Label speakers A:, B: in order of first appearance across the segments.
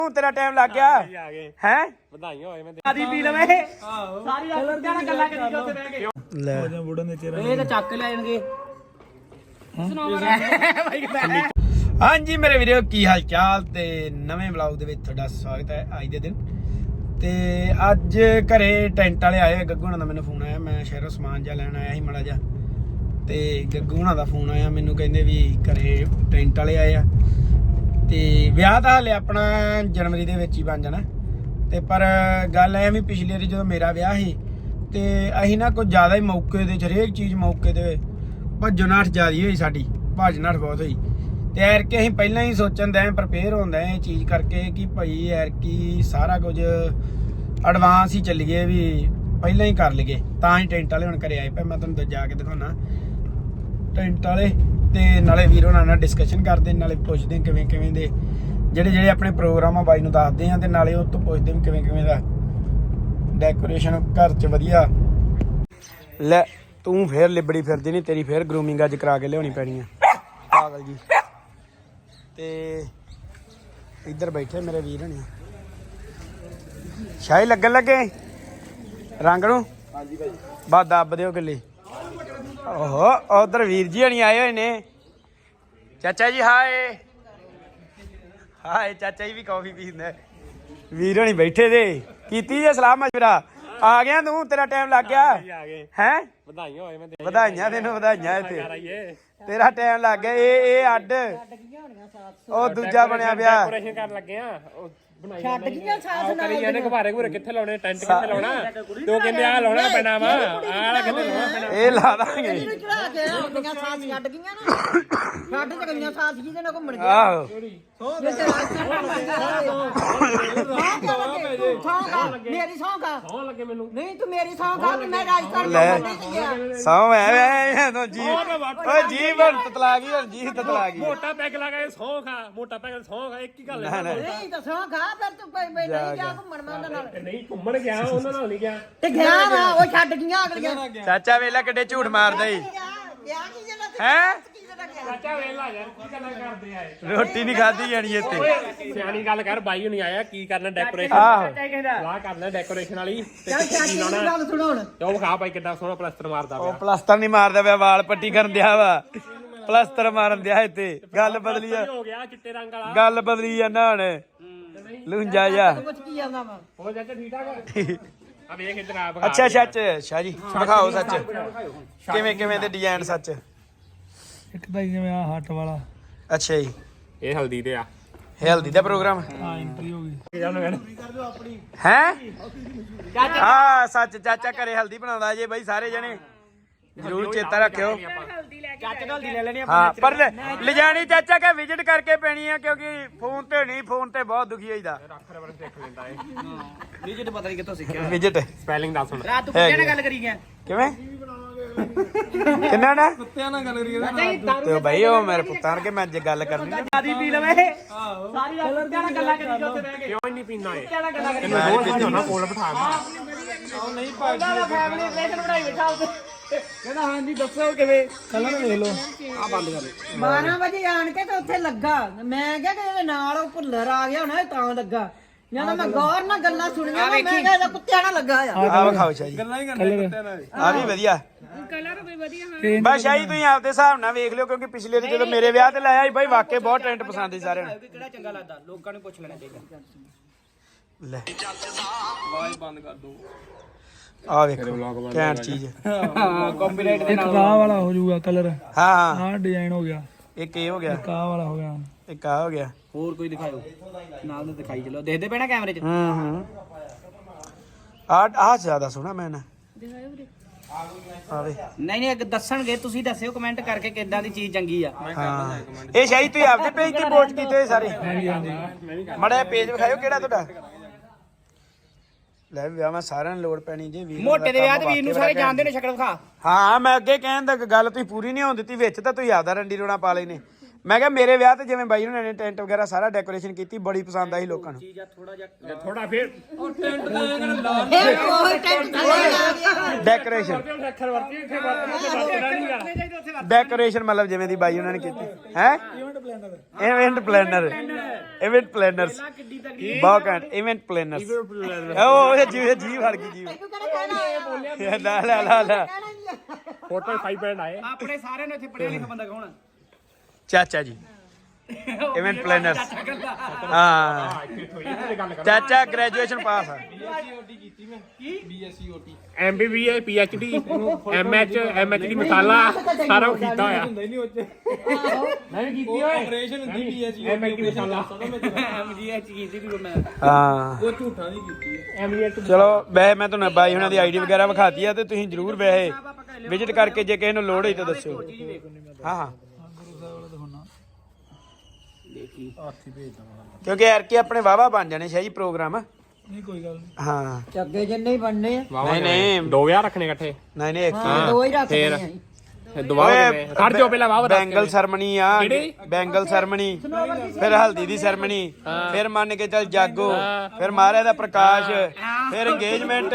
A: तेरा टाइम लग गया है
B: ਵਧਾਈਆਂ ਹੋਏ ਮੈਂ
A: आदि पी लवे सारी रात जाना गल्ला करी जो ਉੱਥੇ ਬਹਿ ਕੇ ਲੈ ਬੁੱਢਾ ਨੇ ਤੇਰਾ ਇਹ ਤਾਂ ਚੱਕ ਲੈ ਜਾਣਗੇ ਹਾਂਜੀ ਮੇਰੇ ਵੀਰੋ ਕੀ ਹਾਲ ਚਾਲ ਤੇ ਨਵੇਂ ਵਲੌਗ ਦੇ ਵਿੱਚ ਤੁਹਾਡਾ ਸਵਾਗਤ ਹੈ ਅੱਜ ਦੇ ਦਿਨ ਤੇ ਅੱਜ ਘਰੇ ਟੈਂਟ ਵਾਲੇ ਆਏ ਗੱਗੂ ਹੁਣਾਂ ਦਾ ਮੈਨੂੰ ਫੋਨ ਆਇਆ ਮੈਂ ਸ਼ਹਿਰੋਂ ਸਮਾਨ ਜਿਹਾ ਲੈਣ ਆਇਆ ਸੀ ਮਾੜਾ ਜਿਹਾ ਤੇ ਗੱਗੂ ਹੁਣਾਂ ਦਾ ਫੋਨ ਆਇਆ ਮੈਨੂੰ ਕਹਿੰਦੇ ਵੀ ਘਰੇ ਟੈਂਟ ਵਾਲੇ ਆਏ ਆ ਤੇ ਵਿਆਹ ਤਾਂ ਹਲੇ ਆਪਣਾ ਜਨਵਰੀ ਦੇ ਵਿੱਚ ਹੀ ਬਣ ਜਾਣਾ ਤੇ ਪਰ ਗੱਲ ਐ ਵੀ ਪਿਛਲੇ ਵਾਰੀ ਜਦੋਂ ਮੇਰਾ ਵਿਆਹ ਸੀ ਤੇ ਅਸੀਂ ਨਾ ਕੁਝ ਜ਼ਿਆਦਾ ਹੀ ਮੌਕੇ ਤੇ ਹਰੇਕ ਚੀਜ਼ ਮੌਕੇ ਤੇ ਭੱਜੋ ਨਾਠ ਜ਼ਿਆਦੀ ਹੋਈ ਸਾਡੀ ਭੱਜ ਨਾਠ ਬਹੁਤ ਹੋਈ ਤੇ ਐਰ ਕੇ ਅਸੀਂ ਪਹਿਲਾਂ ਹੀ ਸੋਚਣ ਦੇ ਪ੍ਰਪੇਅਰ ਹੁੰਦਾ ਇਹ ਚੀਜ਼ ਕਰਕੇ ਕਿ ਭਾਈ ਐਰ ਕੀ ਸਾਰਾ ਕੁਝ ਐਡਵਾਂਸ ਹੀ ਚੱਲੀਏ ਵੀ ਪਹਿਲਾਂ ਹੀ ਕਰ ਲਈਏ ਤਾਂ ਹੀ ਟੈਂਟ ਵਾਲੇ ਹੁਣ ਘਰੇ ਆਏ ਪਏ ਮੈਂ ਤੁਹਾਨੂੰ ਜਾ ਕੇ ਦਿਖਾਉਣਾ ਟੈਂਟ ਵਾਲੇ ਤੇ ਨਾਲੇ ਵੀਰ ਹੋਣਾ ਨਾਲ ਡਿਸਕਸ਼ਨ ਕਰਦੇ ਨਾਲੇ ਪੁੱਛਦੇ ਕਿਵੇਂ ਕਿਵੇਂ ਦੇ ਜਿਹੜੇ ਆਪਣੇ ਪ੍ਰੋਗਰਾਮ ਆ ਬਾਈ ਨੂੰ ਦੱਸਦੇ ਆ ਤੇ ਨਾਲੇ ਉਹ ਤੋਂ ਪੁੱਛਦੇ ਵੀ ਕਿਵੇਂ ਕਿਵੇਂ ਦਾ ਡੈਕੋਰੇਸ਼ਨ ਘਰ 'ਚ ਵਧੀਆ ਲੈ ਤੂੰ ਫੇਰ ਲਿਬੜੀ ਫਿਰਦੀ ਨਹੀਂ ਤੇਰੀ ਫੇਰ ਗਰੂਮਿੰਗ ਅੱਜ ਕਰਾ ਕੇ ਲਿਆਉਣੀ ਪੈਣੀ ਆ ਪਾਗਲ ਜੀ ਤੇ ਇੱਧਰ ਬੈਠੇ ਮੇਰੇ ਵੀਰ ਹਣੀ ਸ਼ਾਹੀ ਲੱਗਣ ਲੱਗੇ ਰੰਗ ਨੂੰ ਹਾਂਜੀ ਭਾਈ ਬਸ ਦੱਬ ਦਿਓ ਕਿੱਲੀ ਓਹੋ ਉਧਰ ਵੀਰ ਜੀ ਹਣੀ ਆਏ ਹੋਏ ਨੇ ਚਾਚਾ ਜੀ ਹਾਏ ਹਾਏ ਚਾਚਾ ਜੀ ਵੀ ਕਾਫੀ ਪੀਂਦਾ ਵੀਰ ਹਣੀ ਬੈਠੇ ਦੇ ਕੀਤੀ ਜੇ ਸਲਾਹ ਮਸ਼ਵਰਾ ਆ ਗਿਆ ਤੂੰ ਤੇਰਾ ਟਾਈਮ ਲੱਗ ਗਿਆ ਹੈ
B: ਵਧਾਈਆਂ ਹੋਏ ਮੈਂ
A: ਵਧਾਈਆਂ ਤੈਨੂੰ ਵਧਾਈਆਂ ਇੱਥੇ ਤੇਰਾ ਟਾਈਮ ਲੱਗ ਗਿਆ ਇਹ ਅੱਡ ਉਹ ਦੂਜਾ ਬਣਿਆ ਪਿਆ
B: ਡੈਕੋਰੇਸ਼ਨ ਕਰਨ ਲੱਗੇ ਆ
C: ਛੱਡ ਗਈਆਂ ਸਾਥ ਨਾਲ
B: ਕਰੀ ਜਾਂਦੇ ਘਬਾਰੇ ਘੂਰੇ ਕਿੱਥੇ ਲਾਉਣੇ ਟੈਂਟ ਕਿੱਥੇ ਲਾਉਣਾ ਤੂੰ ਕਹਿੰਦੇ ਆ ਲਾਉਣਾ ਪੈਣਾ ਵਾ ਆਹ ਕਿੱਥੇ ਲਾਉਣਾ ਪੈਣਾ
A: ਇਹ ਲਾ ਦਾਂਗੇ
C: ਚੜਾ ਕੇ ਆਪਣੀਆਂ ਸਾਥ ਛੱਡ ਗਈਆਂ ਨਾ ਛੱਡ ਤੇ ਗਈਆਂ ਸਾਥ ਜੀ ਦੇ ਨਾਲ ਘੁੰਮਣ ਗਏ
A: ਆਹੋ
C: ਮੇਰੀ ਸੌਂਗਾ
B: ਸੌਂ ਲੱਗੇ ਮੈਨੂੰ
C: ਨਹੀਂ ਤੂੰ ਮੇਰੀ ਸੌਂਗਾ ਮੈਂ ਰਾਜਸਥਾਨ ਨਹੀਂ ਗਿਆ
A: ਸੌ ਐ ਤੂੰ ਜੀ ਓਏ ਜੀ ਬਣ ਤਤਲਾ ਗਈ ਹੁਣ ਜੀ ਤਤਲਾ ਗਈ
B: ਮੋਟਾ ਪੈਗ ਲਗਾ ਸੌਂ ਖਾ ਮੋਟਾ ਪੈਗ ਸੌਂ ਖਾ ਇੱਕ ਹੀ ਗੱਲ ਹੈ
C: ਨਹੀਂ ਤਾਂ ਸੌਂਗਾ ਫਿਰ ਤੂੰ ਨਹੀਂ ਗਿਆ ਘੁੰਮਣ ਮੈਂ ਉਹਨਾਂ ਨਾਲ
B: ਨਹੀਂ ਘੁੰਮਣ ਗਿਆ ਉਹਨਾਂ ਨਾਲ ਨਹੀਂ ਗਿਆ
C: ਤੇ ਗਿਆ ਵਾ ਉਹ ਛੱਡ ਗਈਆਂ ਅਗਲੀਆਂ
A: ਚਾਚਾ ਵੇਲਾ ਕਿੱਡੇ ਝੂਠ ਮਾਰਦਾ ਈ
C: ਗਿਆ ਕੀ ਜਣਾ
A: ਹੈ
B: ਚਾਚਾ ਵੇਲਾ ਯਾਰ ਕੀ ਗੱਲਾਂ ਕਰਦੇ ਆਏ
A: ਰੋਟੀ ਨਹੀਂ ਖਾਧੀ ਜਾਣੀ ਇੱਥੇ
B: ਸਿਆਣੀ ਗੱਲ ਕਰ ਬਾਈ ਹੁਣੀ ਆਇਆ ਕੀ ਕਰਨਾ ਡੈਕੋਰੇਸ਼ਨ
A: ਆਹੋ
B: ਸਲਾਹ ਕਰਨਾ ਡੈਕੋਰੇਸ਼ਨ ਵਾਲੀ ਤੇ
C: ਚੱਲ ਚਾਚੀ ਦੀ ਗੱਲ ਸੁਣੋ ਹੁਣ
B: ਤੇ ਉਹ ਵਿਖਾ ਬਾਈ ਕਿੱਦਾਂ ਸੋਹਣਾ ਪਲਸਤਰ ਮਾਰਦਾ
A: ਉਹ
B: ਪਿਆ
A: ਪਲਸਤਰ ਨਹੀਂ ਮਾਰਦਾ ਪਿਆ ਵਾਲ ਪੱਟੀ ਕਰਨ ਦਿਆ ਵਾ ਪਲਸਤਰ ਮਾਰਨ ਦਿਆ ਇੱਥੇ ਗੱਲ ਬਦਲੀ ਆ
B: ਹੋ ਗਿਆ ਚਿੱਟੇ ਰੰਗ ਵਾਲਾ
A: ਗੱਲ ਬਦਲੀ ਜਾਂਦਾ ਹੁਣ ਲੁੰਜਾ ਜਾ
C: ਕੁਝ ਕੀ ਜਾਂਦਾ ਵਾ
B: ਹੋ ਚਾਚਾ ਠੀਕ ਠਾਕ ਆ ਵੇਖ ਇੱਧਰ ਆ
A: ਅੱਛਾ ਸੱਚ ਸ਼ਾਹ ਜੀ ਦਿਖਾਓ ਸੱਚ ਕਿਵੇਂ ਕਿਵੇਂ ਦੇ ਡਿਜ਼ਾਈਨ ਸੱਚ
D: ਇੱਕ ਤਾਂ ਜਿਵੇਂ ਆ ਹੱਟ ਵਾਲਾ
A: ਅੱਛਾ ਜੀ
B: ਇਹ ਹਲਦੀ ਤੇ ਆ
A: ਹੈਲਦੀ ਦਾ ਪ੍ਰੋਗਰਾਮ
D: ਆ ਐਂਟਰੀ ਹੋ ਗਈ
A: ਹੈ ਹਾਂ ਸੱਚ ਚਾਚਾ ਘਰੇ ਹਲਦੀ ਬਣਾਉਂਦਾ ਜੇ ਬਾਈ ਸਾਰੇ ਜਣੇ ਜ਼ਰੂਰ ਚੇਤਾ ਰੱਖਿਓ
B: ਚਾਚਾ ਹਲਦੀ ਲੈ ਲੈਣੀ
A: ਹਾਂ ਪਰ ਲਿਜਾਣੀ ਚਾਚਾ ਕੇ ਵਿਜ਼ਿਟ ਕਰਕੇ ਪੈਣੀ ਆ ਕਿਉਂਕਿ ਫੋਨ ਤੇ ਨਹੀਂ ਫੋਨ ਤੇ ਬਹੁਤ ਦੁਖੀ ਹੋਈਦਾ
B: ਅੱਖਰ ਵਰ ਸਿੱਖ ਲੈਂਦਾ ਏ
A: ਵਿਜ਼ਿਟ ਪਤਾ ਨਹੀਂ ਕਿੱਥੋਂ ਸਿੱਖਿਆ ਵਿਜ਼ਿਟ
B: ਸਪੈਲਿੰਗ ਦੱਸ ਹੁਣ
C: ਰਾਤ ਤੂੰ ਕਿਹਨਾਂ ਨਾਲ ਗੱਲ ਕਰੀ ਗਿਆ
A: ਕਿਵੇਂ ਕਿੰਨਾ ਨਾ
D: ਕੁੱਤਿਆਂ ਨਾਲ ਗੱਲ ਕਰੀਏ
A: ਤੇ ਬਾਈ ਉਹ ਮੇਰੇ ਪੁੱਤਾਂ ਨਾਲ ਕਿ ਮੈਂ ਅੱਜ ਗੱਲ ਕਰਨੀ ਆਦੀ ਪੀ ਲਵੇ
C: ਸਾਰੀ ਰਾਤ ਕੁੱਤਿਆਂ ਨਾਲ ਗੱਲਾਂ ਕਰੀ ਜੋ ਉੱਥੇ ਬਹਿ ਕੇ
B: ਕਿਉਂ ਨਹੀਂ ਪੀਂਦਾ ਏ
C: ਕੁੱਤਿਆਂ ਨਾਲ ਗੱਲਾਂ ਕਰੀ
B: ਇਹਨੂੰ ਰੋਜ਼ ਨਹੀਂ ਹੋਣਾ ਕੋਲ ਬਿਠਾ
A: ਨਹੀਂ
C: ਉਹਦਾ ਫੈਮਿਲੀ ਰਿਲੇਸ਼ਨ ਬਣਾਈ ਬੈਠਾ ਉੱਥੇ ਕਹਿੰਦਾ ਹਾਂਜੀ ਦੱਸੋ ਕਿਵੇਂ
D: ਕੱਲਾਂ ਵੇਖ ਲਓ
C: 12 ਵਜੇ ਆਣ ਕੇ ਤੇ ਉੱਥੇ ਲੱਗਾ ਮੈਂ ਕਿਹਾ ਕਿ ਇਹਦੇ ਨਾਲ ਉਹ ਭੁੱਲਰ ਆ ਗਿਆ ਹੋਣਾ ਤਾਂ ਲੱਗਾ ਜਦੋਂ ਮੈਂ ਗੌਰ ਨਾਲ ਗੱਲਾਂ ਸੁਣੀਆਂ ਮੈਂ ਕਿਹਾ ਇਹਦਾ ਕੁੱਤਿਆਂ ਨਾਲ ਲੱਗਾ ਆ
A: ਆ ਵਿਖਾਓ ਸ਼ਾਹ ਜੀ
D: ਗੱਲਾਂ ਹੀ ਕਰਨੇ ਕੁੱਤਿਆਂ ਨਾਲ
A: ਆ ਵੀ ਵਧੀਆ
C: ਕਲਰ ਵੀ ਵਧੀਆ
A: ਬਸ ਸ਼ਾਹੀ ਤੁਸੀਂ ਆਪਦੇ ਹਿਸਾਬ ਨਾਲ ਵੇਖ ਲਿਓ ਕਿਉਂਕਿ ਪਿਛਲੇ ਵਾਰ ਜਦੋਂ ਮੇਰੇ ਵਿਆਹ ਤੇ ਲਾਇਆ ਸੀ ਬਾਈ ਵਾਕਈ ਬਹੁਤ ਟ੍ਰੈਂਡ ਪਸੰਦ ਸੀ ਸਾਰਿਆਂ ਨੂੰ
C: ਕਿਹੜਾ ਚੰਗਾ ਲੱਗਦਾ ਲੋਕਾਂ ਨੂੰ ਪੁੱਛ ਲੈਣਾ ਚਾਹੀਦਾ
A: ਲੈ
D: ਆਵਾਜ਼ ਬੰਦ ਕਰ ਦੋ
A: ਆ ਵੇਖੋ ਕੈਂਟ ਚੀਜ਼
C: ਕੰਪੀਟੀਟ
D: ਇੱਕ ਆਹ ਵਾਲਾ ਹੋ ਜਾਊਗਾ ਕਲਰ
A: ਹਾਂ ਹਾਂ
D: ਆਹ ਡਿਜ਼ਾਈਨ ਹੋ ਗਿਆ
A: ਇੱਕ ਇਹ ਹੋ ਗਿਆ
D: ਇੱਕ ਆਹ ਵਾਲਾ ਹੋ ਗਿਆ
A: ਇੱਕ ਆ ਹੋ ਗਿਆ
C: ਹੋਰ ਕੋਈ ਦਿਖਾਓ ਨਾਲ ਦੇ ਦਿਖਾਈ ਚਲੋ ਦੇਖਦੇ ਪੈਣਾ ਕੈਮਰੇ 'ਚ
A: ਹੂੰ ਆ ਜ਼ਿਆਦਾ ਸੋਹਣਾ ਮੈਂ ਨਾ ਆਵੇ
C: ਨਹੀਂ ਨਹੀਂ ਦੱਸਣਗੇ ਤੁਸੀਂ ਦੱਸਿਓ ਕਮੈਂਟ ਕਰਕੇ ਕਿੱਦਾਂ ਦੀ ਚੀਜ਼ ਚੰਗੀ ਆ
A: ਹਾਂ ਇਹ ਸ਼ਾਹੀ ਤੁਸੀਂ ਆਪਦੇ ਪੇਜ ਤੇ ਪੋਸਟ ਕੀਤੇ ਹੋਏ ਸਾਰੇ
D: ਹਾਂਜੀ ਹਾਂਜੀ
A: ਮੜਾ ਪੇਜ ਵਿਖਾਇਓ ਕਿਹੜਾ ਤੁਹਾਡਾ ਲੈ ਵਿਆਹ ਮੈਂ ਸਾਰਿਆਂ ਨੂੰ ਲੋੜ ਪੈਣੀ ਜੇ ਵੀਰ
C: ਮੋਟੇ ਦੇ ਵਿਆਹ ਤੇ ਵੀਰ ਨੂੰ ਸਾਰੇ ਜਾਣਦੇ ਨੇ ਸ਼ਕਲ ਵਿਖਾ
A: ਹਾਂ ਮੈਂ ਅੱਗੇ ਕਹਿਣ ਦਾ ਗੱਲ ਤੁਸੀਂ ਪੂਰੀ ਨਹੀਂ ਹੋਣ ਦਿੱਤੀ ਵਿੱਚ ਤਾਂ ਤੁਸੀਂ ਆਪਦਾ ਰੰਡੀ ਰੋਣਾ ਪਾ ਲੈਨੇ ਮੈਂ ਕਿਹਾ ਮੇਰੇ ਵਿਆਹ ਤੇ ਜਿਵੇਂ ਬਾਈ ਉਹਨਾਂ ਨੇ ਟੈਂਟ ਵਗੈਰਾ ਸਾਰਾ ਡੈਕੋਰੇਸ਼ਨ ਕੀਤੀ ਬੜੀ ਪਸੰਦ ਆਈ ਲੋਕਾਂ ਨੂੰ
B: ਥੋੜਾ ਫੇਰ
C: ਇਹ ਕੋਈ ਟੈਂਟ ਥੱਲੇ ਲਾ ਗਿਆ
A: ਡੈਕੋਰੇਸ਼ਨ
B: ਅੱਖਰ ਵਰਤੀ ਇੱਥੇ ਵਰਤਣਾ
A: ਡੈਕੋਰੇਸ਼ਨ ਮਤਲਬ ਜਿਵੇਂ ਦੀ ਬਾਈ ਉਹਨਾਂ ਨੇ ਕੀਤੀ ਹੈ ਇਵੈਂਟ ਪਲੈਨਰਸ ਬਹੁਤ ਘੈਂਟ ਇਵੈਂਟ ਪਲੈਨਰਸ ਉਹ ਜੀ ਵੜ ਗਈ ਜੀ ਲਾ
B: ਫੋਟੋ 5 ਆਏ
E: ਆਪਣੇ ਸਾਰਿਆਂ ਨੂੰ ਇੱਥੇ ਪੜਿਆ ਲਿਖਿਆ ਬੰਦਾ ਕੌਣ ਆ?
A: ਚਾਚਾ ਜੀ ਇਵੈਂਟ ਪਲੈਨਰਸ ਹਾਂ ਚਾਚਾ ਗ੍ਰੈਜੂਏਸ਼ਨ ਪਾਸ ਆ
B: MBBA PhD MH MHD ਮਸਾਲਾ ਸਾਰਾ ਕੁਝ ਕੀਤਾ ਹੋਇਆ ਮੈਂ ਵੀ ਕੀਤੀ ਓਏ ਆਪਰੇਸ਼ਨ ਹੁੰਦੀ PhD MHD ਮਸਾਲਾ
E: MGH ਕੀਤੀ ਵੀ ਮੈਂ
A: ਹਾਂ
D: ਉਹ ਝੂਠਾਂ ਦੀ ਕੀਤੀ ਹੈ।
B: MBA
A: ਚਲੋ ਵੈਸੇ ਮੈਂ ਤੁਹਾਨੂੰ ਬਾਈ ਉਹਨਾਂ ਦੀ ਆਈਡੀ ਵਗੈਰਾ ਵਿਖਾਤੀ ਆ ਤੇ ਤੁਸੀਂ ਜਰੂਰ ਵੈਸੇ ਵਿਜ਼ਿਟ ਕਰਕੇ ਜੇ ਕਿਸੇ ਨੂੰ ਲੋੜ ਹੋਈ ਤਾਂ ਦੱਸਿਓ ਹਾਂ ਹਾਂ ਕਿਉਂਕਿ ਯਾਰ ਕੀ ਆਪਣੇ ਵਾਵਾ ਬਣ ਜਾਣੇ ਸ਼ਾਹੀ ਪ੍ਰੋਗਰਾਮ
D: ਨਹੀਂ ਕੋਈ ਗੱਲ ਨਹੀਂ।
A: ਹਾਂ
C: ਚੱਗੇ ਜਿੰਨੇ ਹੀ ਬਣਨੇ ਆ
A: ਨਹੀਂ
B: ਦੋ ਵਿਆਹ ਰੱਖਣੇ ਇਕੱਠੇ
A: ਨਹੀਂ ਇੱਕ
C: ਹਾਂ ਦੋ ਹੀ ਰੱਖਦੇ ਆ ਅਸੀਂ।
B: ਦੁਬਾਰਾ ਖੜ ਜਾਓ ਪਹਿਲਾਂ ਵਾਹ
A: ਬੈਂਗਲ ਸਰਮਨੀ ਆ ਬੈਂਗਲ ਸਰਮਨੀ ਫਿਰ ਹਲਦੀ ਦੀ ਸਰਮਨੀ ਫਿਰ ਮੰਨ ਕੇ ਚੱਲ ਜਾਗੋ ਫਿਰ ਮਹਾਰਾਜ ਦਾ ਪ੍ਰਕਾਸ਼ ਫਿਰ ਇੰਗੇਜਮੈਂਟ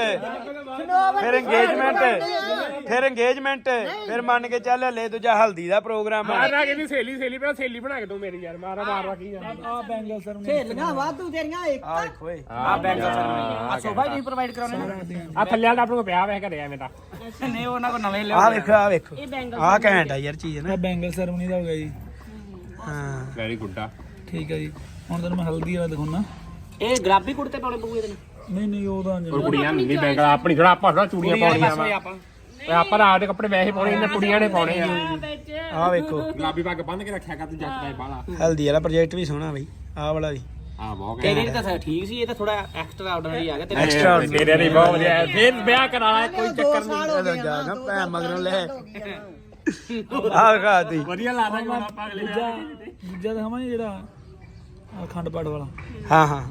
A: ਫਿਰ ਮੰਨ ਕੇ ਚੱਲ ਹਲੇ ਦੂਜਾ ਹਲਦੀ ਦਾ ਪ੍ਰੋਗਰਾਮ
B: ਮਾਰਾ ਕਹਿੰਦੀ ਸਹੇਲੀ ਪਹਿਲਾਂ ਸਹੇਲੀ ਬਣਾ ਕੇ ਦੋ ਮੇਰੀ ਯਾਰ ਮਾਰਵਾ ਕੀ ਜਾਂਦਾ
D: ਆ ਬੈਂਗਲ ਸਰ
C: ਸਹੇਲੀਆਂ ਵਾਧੂ ਤੇਰੀਆਂ ਇੱਕ
A: ਆ ਦੇਖੋ ਏ
E: ਆ ਬੈਂਕ ਆ ਸੋਫਾ ਜੀ ਪ੍ਰੋਵਾਈਡ ਕਰਾਉਣੇ ਨੇ
B: ਆ ਥੱਲੇ ਵਾਲਾ ਆਪਣੇ ਕੋਲ ਪਿਆ ਵੈਸੇ ਘਰੇ ਐਵੇਂ ਤਾਂ
E: ਨਹੀਂ ਉਹਨਾਂ ਕੋ ਨਵੇਂ ਲਿਆ
A: ਆ ਵੇਖੋ ਆ ਘੈਂਟ ਆ ਯਾਰ ਚੀਜ਼ ਨਾ
D: ਆ ਬੈਂਗਲ ਸੈਰਮਨੀ ਦਾ ਹੋ ਗਿਆ ਜੀ।
A: ਹਾਂ
B: ਵੈਰੀ ਗੁੱਡ ਆ
D: ਠੀਕ ਹੈ ਜੀ ਹੁਣ ਤੁਹਾਨੂੰ ਮੈਂ ਹਲਦੀ ਵਾਲਾ ਦਿਖਾਉਣਾ।
E: ਇਹ ਗੁਲਾਬੀ ਕੁੜਤੇ ਪਾਉਣੇ ਪਊਗੇ ਤੈਨੂੰ
D: ਨਹੀਂ ਉਹਦਾ
B: ਹੋਰ ਕੁੜੀਆਂ ਨਹੀਂ ਬੈਂਗਲ ਆਪਣੀ ਥੋੜਾ ਆਪਾਂ ਥੋੜਾ ਚੂੜੀਆਂ ਪਾਉਣੀਆਂ ਵਾ
E: ਆਪਾਂ
B: ਆਪਾਂ ਰਾਤ ਦੇ ਕੱਪੜੇ ਵੈਸੇ ਪਾਉਣੇ ਇਹਨਾਂ ਕੁੜੀਆਂ ਨੇ ਪਾਉਣੇ ਆ
A: ਆ ਵੇਖੋ
B: ਗੁਲਾਬੀ ਪੱਗ ਬੰਨ ਕੇ ਰੱਖਿਆ ਕਰ ਤੂੰ ਜੱਟ ਦਾ ਬਾਲਾ
A: ਹਲਦੀ ਵਾਲਾ ਪ੍ਰੋਜੈਕਟ ਵੀ ਸੋਹਣਾ ਬਈ ਆਹ ਵਾਲਾ ਵੀ
B: ਆ ਬਹੁਤ
E: ਤੇਰੇ ਤਾਂ ਠੀਕ ਸੀ ਇਹ ਤਾਂ ਥੋੜਾ ਐਕਸਟਰਾ ਆਰਡਨਰੀ ਆ ਗਿਆ ਤੇਰੇ
A: ਐਕਸਟਰਾ
B: ਤੇਰੇ ਨਹੀਂ ਬਹੁਤ ਵਧੀਆ ਫਿਰ ਵਿਆਹ ਕਰਾਣਾ ਕੋਈ ਚੱਕਰ ਨਹੀਂ
A: ਜਾ ਨਾ ਭੈ ਮਗਰੋਂ ਲੈ ਆ ਖਾਤੀ
B: ਵਧੀਆ ਲਾ ਦਾਂਗੇ ਹੁਣ ਆਪਾਂ ਅਗਲੇ
D: ਦੂਜਾ ਦਿਖਾਵਾਂ ਜੀ ਜਿਹੜਾ ਆ ਖੰਡ ਪਾਠ ਵਾਲਾ।
A: ਹਾਂ ਹਾਂ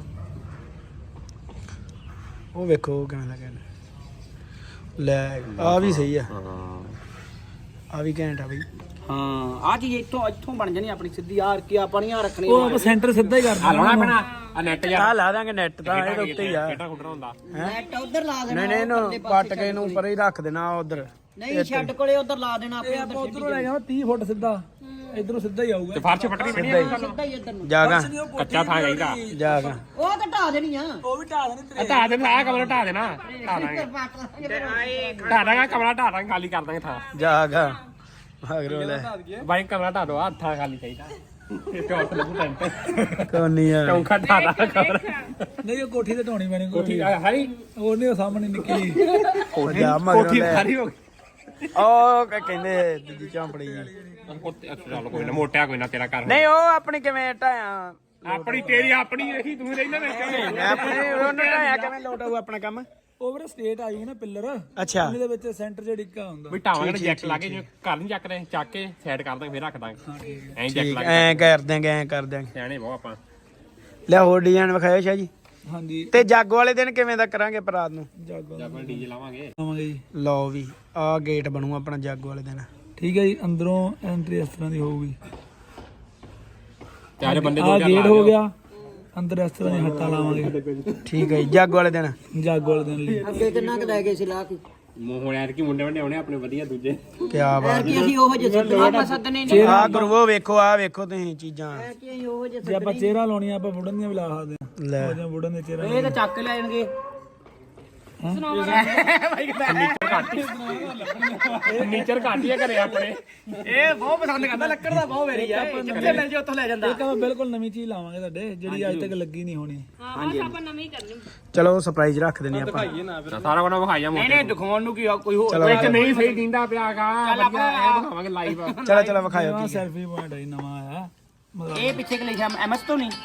A: ਉਹ ਵੇਖੋ ਉਹ ਕਿਵੇਂ ਲੱਗਿਆ ਲੈ ਆ ਵੀ ਸਹੀ ਆ ਆ ਵੀ ਘੈਂਟ ਆ ਬਈ
E: ਹਾਂ ਆ ਚੀਜ਼ ਇੱਥੋਂ ਬਣ ਜਾਣੀ ਆਪਣੀ ਸਿੱਧੀ ਯਾਰ ਕੀ ਆਪਾਂ ਨਹੀਂ ਆ ਰੱਖਣੀ
D: ਉਹ ਆਪਾਂ ਸੈਂਟਰ ਸਿੱਧਾ ਹੀ ਕਰ
B: ਆ ਲਾਉਣਾ
D: ਦੇਣਾ।
B: ਪੈਣਾ ਆ ਨੈਟ
A: ਆ ਲਾ ਦਾਂਗੇ ਨੈਟ ਤਾਂ ਇਹਦੇ ਉੱਤੇ ਹੀ ਆ
B: ਕਿਹੜਾ ਖੁੱਡਣਾ ਹੁੰਦਾ
C: ਨੈਟ ਉਧਰ ਲਾ ਦੇਣਾ
A: ਨਹੀਂ ਇਹਨੂੰ ਪੱਟ ਕੇ ਇਹਨੂੰ ਉੱਪਰ ਹੀ ਰੱਖ ਦੇਣਾ ਉਧਰ
C: ਨਹੀਂ ਛੱਡ ਕੋਲੇ ਉਧਰ ਲਾ ਦੇਣਾ ਆਪਣੇ
D: ਆਪਾਂ ਉਧਰੋਂ ਲੈ ਜਾਵਾਂ 30 ਫੁੱਟ ਸਿੱਧਾ ਇਧਰੋਂ ਸਿੱਧਾ ਹੀ ਆਊਗਾ।
B: ਤੇ ਫਰਸ਼ ਪੱਟਣੀ ਪੈਣੀ ਆ
C: ਸਿੱਧਾ ਹੀ ਇੱਧਰ ਨੂੰ
A: ਜਾਗਾ
B: ਕੱਚਾ ਥਾਂ ਚਾਹੀਦਾ
A: ਜਾਗਾ
C: ਉਹ ਤਾਂ ਢਾ ਦੇਣੀ ਆ
D: ਉਹ ਵੀ ਢਾ ਦੇਣੀ
B: ਢਾ ਦੇ ਆ ਕਮਰਾ ਢਾ ਦੇਣਾ ਢਾ ਦਾਂਗੇ ਢਾ ਦਾਂਗੇ ਕਮਰਾ ਢਾ ਦਾਂਗੇ ਖਾਲੀ ਕਰ ਦਾਂਗੇ ਥਾਂ
A: ਜਾਗਾ ਮਗਰੋਂ ਲੈ
B: ਬਾਈ ਕਮਰਾ ਢਾ ਦੋ ਆ ਥਾਂ ਖਾਲੀ ਚਾਹੀਦਾ ਇਹ ਚੌਥ ਲੱਗੂ ਟੈਂਟ
A: ਕੋਨੀ ਆ
B: ਚੌਂਕਾ ਢਾ ਦਾਂ ਕਮਰਾ
D: ਨਹੀਂ ਉਹ ਕੋਠੀ ਤੇ ਢਾਉਣੀ ਪੈਣੀ
B: ਕੋਠੀ ਹਾਈ
D: ਉਹ ਨਹੀਂ ਉਹ ਸਾਹਮਣੇ ਨਿੱਕੀ
A: ਜਾ ਮਗਰੋਂ
B: ਕੋਠੀ
A: ਲੈ
B: ਸਾਰੀ ਹੋ ਗਈ
A: ਉਹ ਕਹਿੰਦੇ ਦੂਜੀ ਝਾਂਪੜੀ ਜੀ
B: ਚੱਲ ਕੋਈ ਨਾ ਮੋਟਿਆ ਕੋਈ ਨਾ ਤੇਰਾ ਕਰ
A: ਨਹੀਂ ਉਹ ਆਪਣੀ ਕਿਵੇਂ ਢਾਇਆ
B: ਆਪਣੀ ਤੇਰੀ ਆਪਣੀ ਇਹੀ ਤੂੰ ਰਹਿਣਾ ਵਿੱਚ
A: ਆਪਣੀ ਉਹਨੂੰ ਢਾਇਆ ਕਿਵੇਂ ਲੋਟ ਆਊ ਆਪਣਾ ਕੰਮ
D: ਉਹ ਵੀਰੇ ਸਟੇਟ ਆਈ ਨਾ ਪਿੱਲਰ
A: ਅੱਛਾ
D: ਉਹਦੇ ਵਿੱਚ ਸੈਂਟਰ ਜਿਹੜਾ ਡਿੱਕਾ ਹੁੰਦਾ।
B: ਵੀ ਢਾਵਾਂਗੇ ਨਾ ਜੈਕ ਲਾ ਕੇ ਜੇ ਘਰ ਨਹੀਂ ਚੱਕ ਰਹੇ ਚੱਕ ਕੇ ਸਾਈਡ ਕਰ ਦਾਂਗੇ ਫਿਰ ਰੱਖ ਦਾਂਗੇ ਐਂ ਜੈਕ ਲਾ ਕੇ
A: ਐ ਕਰ ਦਿਆਂਗੇ
B: ਸਿਆਣੇ ਬਹੁਤ ਆਪਾਂ
A: ਲੈ ਹੋਰ ਡਿਜ਼ਾਈਨ ਵਿਖਾਇਓ ਸ਼ਾਹ ਜੀ
D: ਹਾਂਜੀ
A: ਤੇ ਜਾਗੋ ਵਾਲੇ ਦਿਨ ਕਿਵੇਂ ਦਾ ਕਰਾਂਗੇ ਪਰਾਤ ਨੂੰ
D: ਜਾਗੋ
B: ਆਪਾਂ ਡੀਜੇ ਲਾਵਾਂਗੇ
D: ਆਵਾਂਗੇ ਜੀ।
A: ਲਓ ਵੀ ਆਹ ਗੇਟ ਬਣੂ ਆਪਣਾ ਜਾਗੋ ਵਾਲੇ ਦਿਨ
D: ਠੀਕ ਹੈ ਜੀ ਅੰਦਰੋਂ ਐਂਟਰੀ ਇਸ ਤਰ੍ਹਾਂ ਦੀ ਹੋਊਗੀ।
B: ਚਾਰੇ ਬੰਦੇ
D: ਆ ਗੇਟ ਹੋ ਗਿਆ ਅੰਦਰ ਇਸ ਤਰ੍ਹਾਂ ਦੀ ਹੱਟਾਂ ਲਾਵਾਂਗੇ
A: ਠੀਕ ਹੈ ਜੀ ਜਾਗੋ ਵਾਲੇ ਦਿਨ
D: ਜਾਗੋ ਵਾਲੇ ਦਿਨ ਲਈ।
C: ਅੱਗੇ ਕਿੰਨਾ ਕੁ ਲੈ ਗਏ ਸੀ ਲਾ ਕੇ
B: ਮੂੰਹ ਹੁਣ ਯਾਰ ਕੀ ਮੁੰਡੇ ਵੰਡੇ ਆਉਣੇ ਆਪਣੇ ਵਧੀਆ ਦੂਜੇ
A: ਕੀ ਬਾਤ
C: ਕਿ ਅਸੀਂ ਉਹ ਜਿਹੇ ਸੱਦਣੇ ਸੱਦਣੇ ਨਹੀਂ
A: ਆ ਗੁਰੂਓ ਵੇਖੋ ਆ ਵੇਖੋ ਤੁਸੀਂ ਚੀਜ਼ਾਂ
C: ਕਿ ਅਸੀਂ ਉਹ ਜਿਹੇ
D: ਜੇ ਆਪਾਂ ਚਿਹਰਾ ਲਾਉਣੀਆਂ ਆਪਾਂ ਵੁਡਨ ਦੀਆਂ ਵੀ ਲਾ ਸਕਦੇ ਹਾਂ।
A: ਲੈ
D: ਉਹ ਜਿਹਾ ਵੁਡਨ ਦੇ ਚਿਹਰਾ
E: ਇਹ ਤਾਂ ਚੱਕ ਕੇ ਲੈ ਜਾਣਗੇ
B: ਫਰਨੀਚਰ ਘੱਟ ਹੀ ਆ ਘਰੇ ਆਪਣੇ
E: ਇਹ ਬਹੁਤ ਪਸੰਦ ਕਰਦਾ ਲੱਕੜ ਦਾ ਬਹੁਤ ਵੇਰੀ ਆ ਜਿੱਥੇ ਮਿਲ ਜੇ ਉੱਥੋਂ ਲੈ ਜਾਂਦਾ
D: ਇੱਕ ਆਪਾਂ ਬਿਲਕੁਲ ਨਵੀਂ ਚੀਜ਼ ਲਾਵਾਂਗੇ ਤੁਹਾਡੇ ਜਿਹੜੀ ਅੱਜ ਤੱਕ ਲੱਗੀ ਨਹੀਂ ਹੋਣੀ।
A: ਚਲੋ ਸਰਪ੍ਰਾਈਜ਼ ਰੱਖ ਦਿੰਨੇ ਆਪਾਂ
B: ਸਾਰਾ ਕੁਝ ਵਿਖਾਈਆ
E: ਨਹੀਂ ਨਹੀਂ ਦਿਖਾਉਣ ਨੂੰ ਕੀ ਆ ਕੋਈ ਹੋਰ
B: ਇੱਕ ਨਹੀਂ ਸਹੀ ਦਿੰਦਾ ਪਿਆਗਾ ਵਧੀਆ ਇਹ ਦਿਖਾਵਾਂਗੇ ਲਾਈਵ
A: ਚਲੋ ਵਿਖਾਇਓ
D: ਨਵਾਂ
A: ਕੀ
D: ਸੈਲਫੀ ਪੁਆਇੰਟ ਹੈ ਜੀ, ਨਵਾਂ ਆਇਆ ਮਤਲਬ
E: ਇਹ ਪਿੱਛੇ ਕਿ ਲਿਖਿਆ ਐਮਐਸ ਤੋਂ ਨਹੀਂ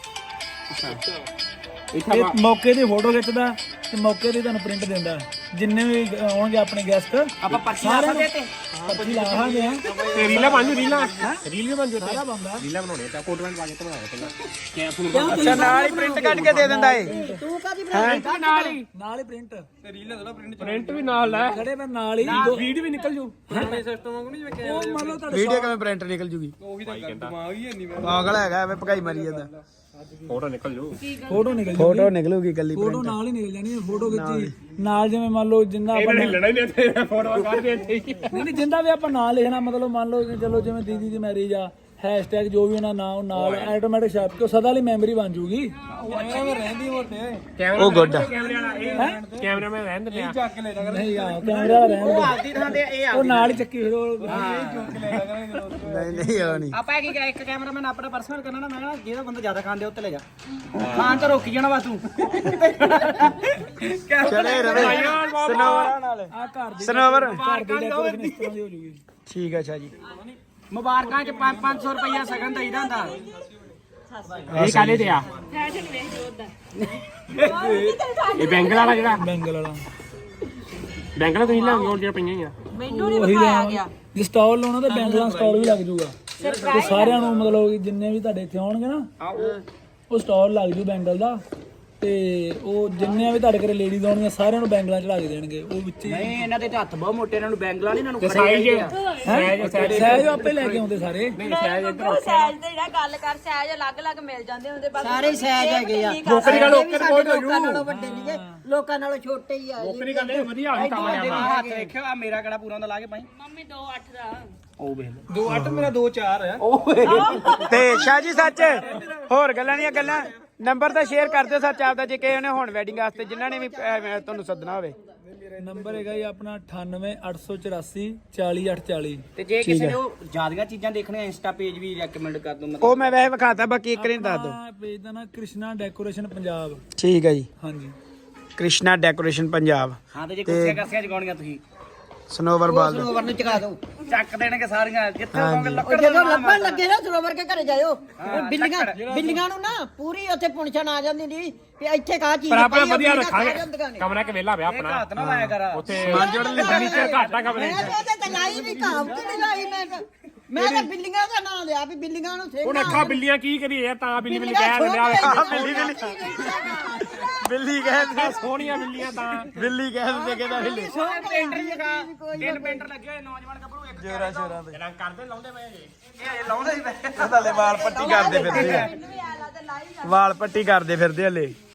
D: ਇਹ ਮੌਕੇ ਦੀ ਫੋਟੋ ਖਿੱਚਦਾ ਤੇ ਮੌਕੇ ਦੀ ਤੁਹਾਨੂੰ ਪ੍ਰਿੰਟ ਦਿੰਦਾ। ਜਿੰਨੇ ਵੀ ਆਉਣਗੇ ਆਪਣੇ ਗੈਸਟ
E: ਆਪਾਂ ਪਰਚੀਆਂ ਸਕਦੇ ਤੇ
D: ਪੱਚੀ ਲਾਹਾਂਗੇ ਆ।
B: ਤੇ ਰੀਲਾ ਬਣ ਜੂ ਰੀਲਾ ਬਣ ਜੂ
D: ਸਾਰਾ ਬੰਦਾ
B: ਰੀਲਾ ਬਣਾਉਣੇ ਤਾਂ ਕੋਟ ਪੈਂਟ ਪਾ ਕੇ ਬਣਾਇਆ ਪਹਿਲਾਂ ਕਿਆ ਫੋਨ
A: ਅੱਛਾ ਨਾਲ ਹੀ ਪ੍ਰਿੰਟ ਕੱਢ ਕੇ ਦੇ ਦਿੰਦਾ ਏ
C: ਤੂੰ ਕਾਦੀ
B: ਨਾਲ ਹੀ
D: ਪ੍ਰਿੰਟ
B: ਪ੍ਰਿੰਟ ਵੀ ਨਾਲ ਲੈ
D: ਖੜੇ ਮੈਂ ਨਾਲ ਹੀ ਵੀਡੀਓ ਵੀ ਨਿਕਲ ਜੂ ਸਿਸਟਮ ਵਾਂਗੂ ਨਹੀਂ ਜਿਵੇਂ ਉਹ ਮੰਨ ਲਓ ਤੁਹਾਡੇ
A: ਵੀਡੀਓ ਕਿਵੇਂ ਪ੍ਰਿੰਟ ਨਿਕਲ ਜੂਗੀ ਪਾਗਲ ਹੈਗਾ ਐਵੇਂ ਭਗਾਈ ਮਾਰੀ ਜਾਂਦਾ
B: ਫੋਟੋ ਨਿਕਲ ਜੂ
D: ਫੋਟੋ ਨਿਕਲ ਜੂ
A: ਫੋਟੋ ਨਿਕਲੂਗੀ ਕੱਲੀ
D: ਫੋਟੋ ਨਾਲ ਹੀ ਨਿਕਲ ਜਾਣੀ ਹੈ ਫੋਟੋ ਖਿੱਚੀ ਨਾਲ ਜਿਵੇਂ ਮੰਨ ਲਓ ਜਿੰਨਾ ਆਪਾਂ
B: ਇਹਨਾਂ ਨੇ ਲੜਾ ਹੀ ਨਹੀਂ ਇੱਥੇ ਫੋਟੋ ਕੱਢਦੇ ਇੱਥੇ ਹੀ
D: ਨਹੀਂ ਜਿੰਦਾ ਵੀ ਆਪਾਂ ਨਾਂ ਲਿਖਣਾ ਮਤਲਬ ਮੰਨ ਲਓ ਕਿ ਚਲੋ ਜਿਵੇਂ ਦੀਦੀ ਦੀ ਮੈਰਿਜ ਆ ਹੈਸ਼ਟੈਗ ਜੋ ਵੀ ਉਹਨਾਂ ਨਾਮ ਨਾਲ ਆਟੋਮੈਟਿਕ ਛਾਪ ਕੇ ਸਦਾ ਲਈ ਮੈਮਰੀ ਬਣ ਜੂਗੀ ਰਹਿੰਦੀ ਮੋਟੇ
A: ਉਹ ਗੁੱਡ
B: ਕੈਮਰੇ ਵਾਲਾ ਇਹ ਕੈਮਰਾਮੈਨ ਰਹਿਣ ਦਿੰਦੇ ਆ
D: ਨਹੀਂ ਆ ਕੈਮਰਾ ਰਹਿਣ
E: ਆਪਦੀ ਥਾਂ ਤੇ ਇਹ ਆ
D: ਉਹ ਨਾਲ ਹੀ ਚੱਕੀ ਫਿਰ ਉਹ
A: ਨਹੀਂ ਉਹ ਨਹੀਂ
E: ਆਪਾਂ ਕੀ ਇੱਕ ਕੈਮਰਾਮੈਨ ਆਪਣਾ ਪਰਸਨਲ ਕਰਨਾ ਨਾ ਮੈਂ ਕਿਹਾ ਜਿਹੜਾ ਬੰਦਾ ਜ਼ਿਆਦਾ ਖਾਂਦੇ ਉੱਤੇ ਲੈ ਜਾ ਖਾਣ ਤੋਂ ਰੋਕੀ ਜਾਣਾ ਵਾ ਤੂੰ
A: ਚਲੇ ਰਵੇ ਸਨੋਵਰ ਨਾਲ
D: ਆ ਘਰ ਦੀ
A: ਸਨੋਵਰ
D: ਘਰ ਦੀ ਡੈਕੋਰੇਸ਼ਨ ਇਸ ਤਰ੍ਹਾਂ ਦੀ ਹੋ ਜੂਗੀ
A: ਠੀਕ ਹੈ ਅੱਛਾ ਜੀ
E: ਮੁਬਾਰਕਾਂ ਚ 500 ਰੁਪਇਆ ਸਗਨ ਦਈਦਾ ਹੁੰਦਾ
B: ਇਹ ਕਾਲੇ ਤੇ ਆ ਇਹ ਬੈਂਗਲ ਵਾਲਾ ਜਿਹੜਾ
D: ਬੈਂਗਲ ਵਾਲਾ
B: ਬੈਂਗਲ ਤੁਸੀਂ ਲਿਆਉਂਗੇ ਹੋਰ ਜਿਹੜੀਆਂ ਪਈਆਂ ਹੀ ਆ
C: ਮੈਨੂੰ ਨਹੀਂ ਵਿਖਾਇਆ ਗਿਆ
D: ਜੇ ਸਟਾਲ ਲਾਉਣਾ ਤਾਂ ਬੈਂਗਲਾਂ ਸਟਾਲ ਵੀ ਲੱਗ ਜੂਗਾ ਤੇ ਸਾਰਿਆਂ ਨੂੰ ਮਤਲਬ ਕਿ ਜਿੰਨੇ ਵੀ ਤੁਹਾਡੇ ਇੱਥੇ ਆਉਣਗੇ ਨਾ ਉਹ ਸਟਾਲ ਲੱਗ ਜੂ ਬੈਂਗਲ ਦਾ ਤੇ ਉਹ ਜਿੰਨੇ ਵੀ ਤੁਹਾਡੇ ਘਰੇ ਲੇਡੀਜ਼ ਆਉਣਗੀਆਂ ਸਾਰਿਆਂ ਨੂੰ ਬੈਂਗਲਾਂ ਚੜਾ ਕੇ ਦੇਣਗੇ ਉਹ ਵਿੱਚ ਹੀ
E: ਨਹੀਂ ਇਹਨਾਂ ਦੇ ਹੱਥ ਬਹੁਤ ਮੋਟੇ ਇਹਨਾਂ ਨੂੰ ਬੈਂਗਲਾਂ ਨਹੀਂ ਇਹਨਾਂ ਨੂੰ
D: ਸਹਿਜ ਆਪੇ ਲੈ ਕੇ ਆਉਂਦੇ ਸਾਰੇ
F: ਸਹਿਜ ਤੇ ਜਿਹੜਾ ਗੱਲ ਕਰ ਸਹਿਜ ਅਲੱਗ-ਅਲੱਗ ਮਿਲ ਜਾਂਦੇ ਹੁੰਦੇ ਬਸ
C: ਸਾਰੇ ਸਹਿਜ ਹੈਗੇ ਆ
B: ਨੌਕਰੀ ਗੱਲ ਓਕੇ ਕੋਈ
C: ਲੋਕਾਂ ਨਾਲੋਂ ਵੱਡੇ ਨਹੀਂਗੇ ਲੋਕਾਂ ਨਾਲੋਂ ਛੋਟੇ ਹੀ ਆ
B: ਨੌਕਰੀ ਗੱਲ ਇਹ ਵਧੀਆ ਹੋਈ ਕੰਮ ਜਾਣਾ
E: ਹੱਥ ਦੇਖਿਓ ਆ ਮੇਰਾ ਕਿਹੜਾ ਪੂਰਾ ਹੁੰਦਾ ਲਾ ਕੇ ਪਾਈ
F: ਮੰਮੀ 2-8 ਦਾ
E: ਉਹ ਵੇਖ
D: 2-8 ਮੇਰਾ 2-4 ਆ
A: ਤੇ ਸ਼ਾਹ ਜੀ ਸੱਚ ਹੋਰ ਗੱਲਾਂ ਦੀਆਂ ਗੱਲਾਂ ਨੰਬਰ ਤਾਂ ਸ਼ੇਅਰ ਕਰ ਦਿਓ ਸੱਚ ਆਪਦਾ ਜੇ ਕਿਸੇ ਨੇ ਹੁਣ ਵੈਡਿੰਗ ਵਾਸਤੇ ਜਿਨ੍ਹਾਂ ਨੇ ਵੀ ਤੁਹਾਨੂੰ ਸੱਦਣਾ ਹੋਵੇ
D: ਨੰਬਰ ਹੈਗਾ ਜੀ ਆਪਣਾ 98 884 40840
E: ਤੇ ਜੇ ਕਿਸੇ ਨੇ ਉਹ ਜ਼ਿਆਦੀਆਂ ਚੀਜ਼ਾਂ ਦੇਖਣੀਆਂ ਇੰਸਟਾ ਪੇਜ ਵੀ ਰეკਮੈਂਡ ਕਰ ਦੋ
A: ਉਹ ਮੈਂ ਵੈਸੇ ਵਿਖਾਤਾ ਬਾਕੀ ਇੱਕ ਨੇ ਦੱਸ ਦਿਓ
D: ਪੇਜ ਦਾ ਨਾਂ ਕ੍ਰਿਸ਼ਨਾ ਡੈਕੋਰੇਸ਼ਨ ਪੰਜਾਬ
A: ਠੀਕ ਹੈ ਜੀ
D: ਹਾਂਜੀ
A: ਕ੍ਰਿਸ਼ਨਾ ਡੈਕੋਰੇਸ਼ਨ ਪੰਜਾਬ
E: ਹਾਂ ਤੇ ਜੇ ਕੁਰਸੀਆਂ ਕਰਸੀਆਂ ਜਗਾਉਣੀਆਂ ਤੁਸੀਂ
A: ਸਨੋਵਰ ਬਾਲ ਦਾ
C: ਸਰੋਵਰ ਨੂੰ ਚਕਾ ਦਿਓ
E: ਚੱਕ ਦੇਣਗੇ ਸਾਰੀਆਂ ਜਿੱਥੇ ਕਹੋਗੇ
C: ਉਹ
E: ਲੱਕੜ
C: ਜਦੋਂ ਲੱਭਣ ਲੱਗੇ ਨਾ ਸਰੋਵਰ ਕੇ ਘਰੇ ਜਾਇਓ ਉਹ ਬਿੱਲੀਆਂ ਨੂੰ ਨਾ ਪੂਰੀ ਉੱਥੇ ਪੁੰਛਣ ਆ ਜਾਂਦੀ ਨਹੀਂ ਵੀ ਇੱਥੇ ਕਾ ਚੀਜ਼
B: ਪਰ ਆਪਾਂ
C: ਪਈ ਆ,
B: ਵਧੀਆ
C: ਬਿੱਲੀਆਂ ਖਾ
B: ਰੱਖਾਂਗੇ
C: ਜਾਂਦੀਆਂ ਨੇ।
B: ਕਮਰਾ ਕਿ ਵਿਹਲਾ ਪਿਆ ਆਪਣਾ
E: ਹੱਥ ਨਾ ਲਾਇਆ ਕਰ
B: ਉੱਥੇ ਫਰਨੀਚਰ ਘੱਟ ਆ ਕਮਰੇ
C: ਮੈਂ ਤਾਂ ਇਹਦੇ ਤੇ ਲਾਈ ਨਹੀਂ ਕਹਾਵਤ ਨਹੀਂ ਲਾਈ ਮੈਂ ਤਾਂ ਬਿੱਲੀਆਂ ਦਾ ਨਾਂ ਲਿਆ ਵੀ ਬਿੱਲੀਆਂ ਨੂੰ
B: ਹੁਣ ਅੱਖਾਂ ਬਿੱਲੀਆਂ ਕੀ ਕਰੀਏ ਤਾਂ ਬਿੱਲੀ ਬਿੱਲੀ ਕਹਿ ਦਿੰਦੇ ਆ
A: ਬਿੱਲੀ ਕਹਿੰਦੇ
B: ਸੋਹਣੀਆਂ ਬਿੱਲੀਆਂ ਤਾਂ
A: ਬਿੱਲੀ ਕਹਿੰਦੇ ਕਿਹਦਾ ਬਿੱਲੀ
E: ਪੇਂਟਰ ਜਗਾ ਤਿੰਨ ਪੇਂਟਰ ਲੱਗੇ ਹੋਏ ਨੌਜਵਾਨ ਗੱਭਰੂ ਇੱਕ
A: ਜੋਰਾ ਸ਼ੋਰਾ ਤੇ
B: ਰੰਗ ਕਰਦੇ ਲਾਉਂਦੇ ਪਏ ਜੀ
E: ਇਹ ਲਾਉਂਦੇ ਹੀ ਪਏ
A: ਹਲੇ ਵਾਲ ਪੱਟੀ ਕਰਦੇ ਫਿਰਦੇ ਆ ਵਾਲ ਪੱਟੀ ਕਰਦੇ ਫਿਰਦੇ ਹਲੇ